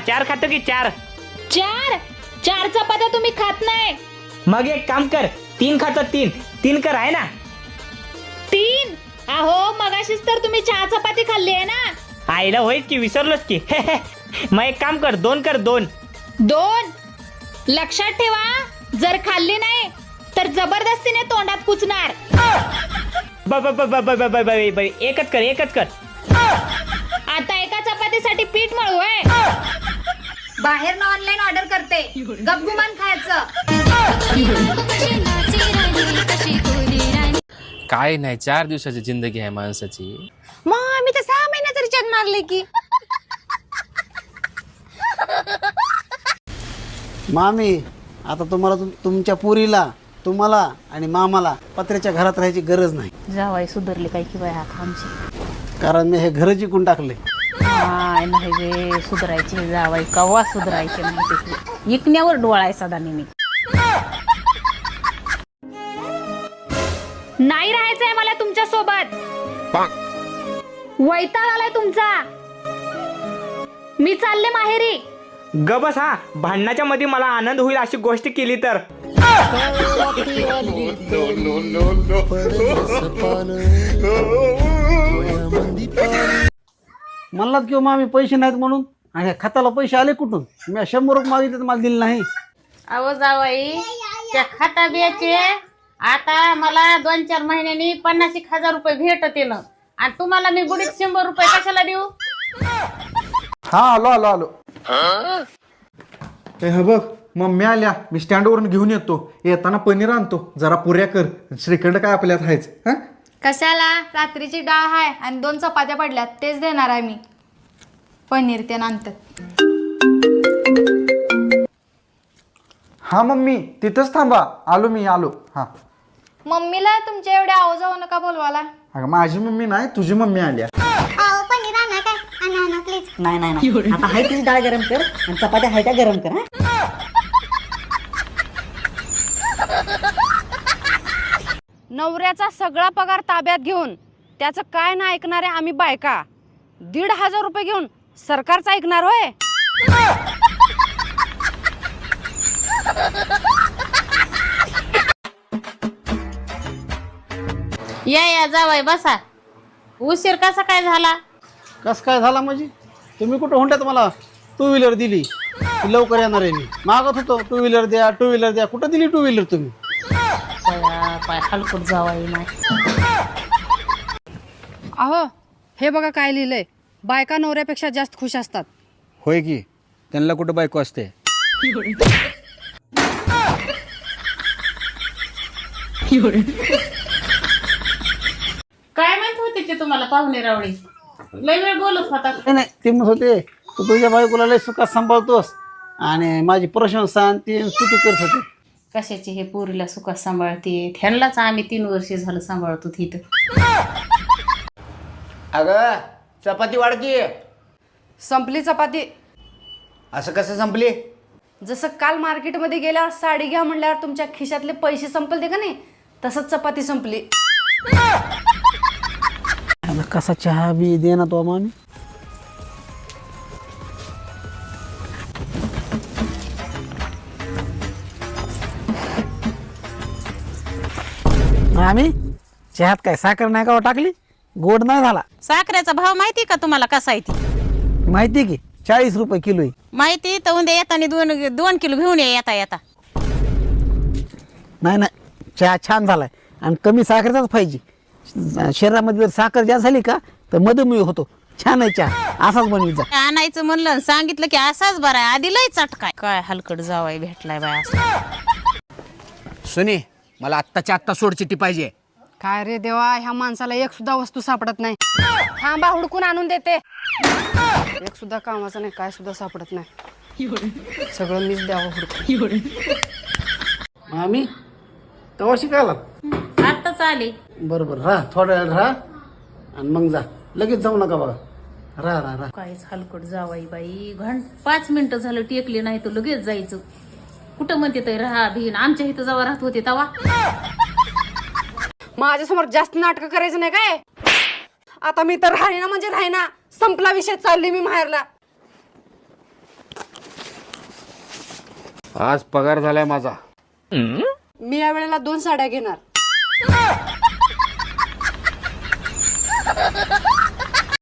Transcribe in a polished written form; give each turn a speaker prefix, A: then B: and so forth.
A: 4 खातो की 4?
B: 4 चपात्या तुम्ही खात नाही.
A: मग एक काम कर, 3 खातो. 3 कर आहे ना.
B: 3? अहो मगाशीच तर तुम्ही 4 चपाती खाल्ली आहे ना.
A: आईला होईच की, विसरलोच की. मग एक काम कर, 2 कर. 2
B: लक्षात ठेवा, जर खाल्ली नाही तर जबरदस्तीने तोंडात कुचणार.
A: एकच कर.
B: आता एका चपातीसाठी पीठ मळू आहे.
C: बाहेर ऑनलाईन ऑर्डर करते, गपगुमान खायचं.
D: काय नाही, 4 दिवसाची जिंदगी आहे माणसाची.
C: मग आम्ही तर 6 महिन्यात रिचार्ज मारले की.
E: मामी, आता तुम्हाला तुमच्या पुरीला, तुम्हाला आणि मामाला पत्र्याच्या घरात राहायची गरज नाही.
F: जावाई सुधारले काय की बाय आता आमची.
E: कारण मी हे घर जिंकून टाकले.
F: काय नाही वे सुधारायचे जावाई, कवा सुधारायचे नाही. इकण्यावर डोळा आहे सदा नेहमी.
B: नाही राहायचंय मला तुमच्या सोबत. वैताग आलाय तुमचा. मी चालले माहेरी.
A: ग बस. हा, भांडणाच्या मध्ये मला आनंद होईल अशी गोष्ट केली तर.
E: म्हणलात किंवा मामी पैसे नाहीत म्हणून, आणि खताला पैसे आले कुठून? मी 100 रुपये मागितले तर मला दिले नाही.
F: अहो जावाई, त्या खाता बियाचे आता मला 2-4 महिन्यांनी 50,000 रुपये भेटते ना, आणि तुम्हाला मी गुडीत 100 रुपये कशाला देऊ?
G: हा, आलो. हे बघ, मम्मी आल्या, मी स्टँडवरून घेऊन येतो. येताना पनीर आणतो, जरा पुऱ्या कर. श्रीखंड काय आपल्यात आहेच. हा,
C: कशाला? रात्रीची डाळ आहे आणि 2 चपात्या पडल्यात, तेच देणार आहे मी. पनीर ते नंतर.
G: हा मम्मी, तिथंच थांबा, आलो मी. हा,
C: मम्मीला तुमच्या एवढ्या आवाज जाऊ नका बोलवाला.
G: अगं माझी मम्मी नाही, तुझी मम्मी आल्या.
H: नाही आता हाय तीच डाळ गरम कर आणि चपात्या हाय त्या गरम कर.
F: नवऱ्याचा सगळा पगार ताब्यात घेऊन त्याचं काय ना ऐकणारे आम्ही बायका 1,500 रुपये घेऊन सरकारचं ऐकणार होय? या जावाय बसा. उशीर कसा काय झाला?
E: कस काय झाला म्हणजे? तुम्ही कुठं हुंड्यात मला 2 व्हीलर दिली, ती लवकर येणार आहे. मी मागत होतो 2 व्हीलर द्या. कुठं दिली 2 व्हीलर तुम्ही?
F: पाय हलकट जावाई नाही.
I: अहो हे बघा काय लिहिलंय, बायका नवऱ्यापेक्षा जास्त खुश असतात.
E: होय की, त्यांना कुठं बायको असते?
F: काय माहित होते ते तुम्हाला पाहुणे रावळे? लय वेळ बोलत होता.
E: नाही, ते म्हणत होते तू तुझ्या बायकोला लय सुखात सांभाळतोस आणि माझी प्रशंसा आणि ती स्तुती करत होते.
F: कशाची हे पोरीला सुखात सांभाळते? ह्यांनाच आम्ही 3 वर्ष झालं सांभाळतो तिथं.
J: अगं चपाती वाढकी.
I: संपली चपाती.
J: असं कसं संपली?
I: जसं काल मार्केटमध्ये गेल्यावर साडी घ्या म्हणल्यावर तुमच्या खिशातले पैसे संपलते का नाही, तसंच चपाती संपली.
E: आता कसा चहा बी दे ना तो मामी. मामी, चहात काय साखर नाही का टाकली? गोड नाही झाला.
F: साखरेचा भाव माहिती का तुम्हाला कसा आहे ती?
E: माहिती की 40 रुपये किलो आहे.
F: माहिती तर उद्या येताना 2 किलो घेऊन येता.
E: नाही, चहा छान झालाय आणि कमी साखरेचाच पाहिजे. शरीरामध्ये जर साखर जास्त झाली का तर मधुमेह होतो. छान आहे चहा, असाच बनवी जा.
F: आणायचं म्हणलं सांगितलं की असाच बरा आहे. आधी लय चटकाय. काय हलकट जावाय भेटलाय बाय असं.
J: सुनी, मला आत्ताच्या आत्ता सोडचिट्टी पाहिजे.
I: काय रे देवा, ह्या माणसाला एक सुद्धा वस्तू सापडत नाही. थांबा, हुडकून आणून देते. एक सुद्धा कामाचं नाही, काय सुद्धा सापडत नाही. सगळं मीच द्यावं हुडकून.
E: मामी तेव्हा शिकायला
F: आत्ताच आले.
E: बरोबर, राहा थोड्या वेळ राहा आणि मग जा. लगेच जाऊ नका बघा. राहा.
F: काहीच हलकट जावाई बाई. 5 मिनिटं झालं टेकले नाही तर लगेच जायचं. कुठं म्हणते तर राहा भिन. आमच्या इथं जेव्हा राहत होते तेव्हा.
I: माझ्यासमोर जास्त नाटकं करायचं नाही काय. आता मी तर राहीना म्हणजे राहीना. संपला विषय, चालली मी माहेरला.
J: आज पगार झालाय माझा.
I: मी या वेळेला 2 साड्या घेणार.